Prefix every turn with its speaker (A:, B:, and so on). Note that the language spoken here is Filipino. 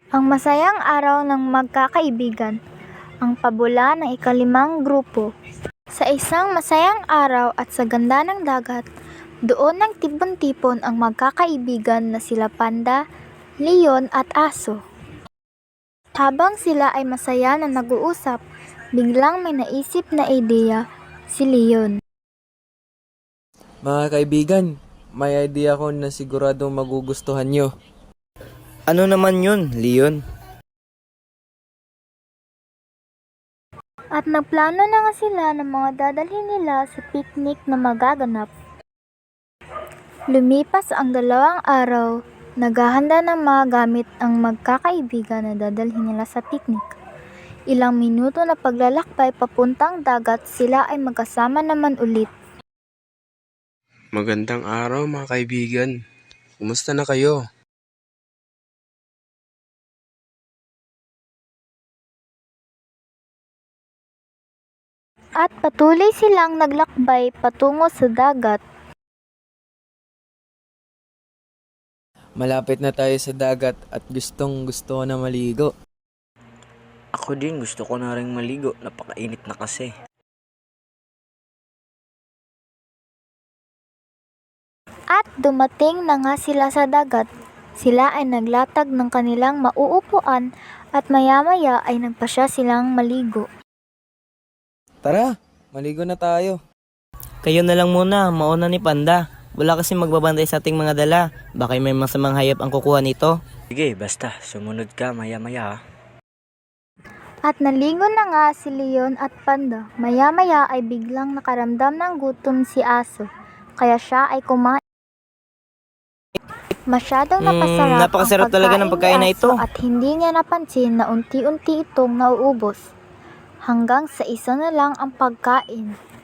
A: Ang masayang araw ng magkakaibigan, ang pabula ng ikalimang grupo. Sa isang masayang araw at sa ganda ng dagat, doon nagtipon-tipon ang magkakaibigan na sila Panda, Leon at Aso. Habang sila ay masaya na nag-uusap, biglang may naisip na ideya si Leon.
B: Mga kaibigan, may idea ko na siguradong magugustuhan nyo.
C: Ano naman yun, Leon?
A: At nagplano na nga sila ng mga dadalhin nila sa picnic na magaganap. Lumipas ang 2 araw, naghahanda ng mga gamit ang magkakaibigan na dadalhin nila sa picnic. Ilang minuto na paglalakbay papuntang dagat, sila ay magkasama naman ulit.
D: Magandang araw mga kaibigan. Kumusta na kayo?
A: At patuloy silang naglakbay patungo sa dagat.
B: Malapit na tayo sa dagat at gustong gusto ko na maligo.
C: Ako din, gusto ko na ring maligo. Napakainit na kasi.
A: At dumating na nga sila sa dagat. Sila ay naglatag ng kanilang mauupuan at maya-maya ay nagpasya silang maligo.
B: Tara, maligo na tayo.
E: Kayo na lang muna, mauna ni Panda. Wala kasi magbabantay sa ating mga dala. Baka may masamang hayop ang kukuha nito.
C: Sige, basta. Sumunod ka maya-maya.
A: At naligo na nga si Leon at Panda. Maya-maya ay biglang nakaramdam ng gutom si Aso. Kaya siya ay kumain. Masyadong napasarap
E: napakasarap
A: ang
E: talaga ng pagkain na ito.
A: At hindi niya napansin na unti-unti itong nauubos. Hanggang sa isa na lang ang pagkain.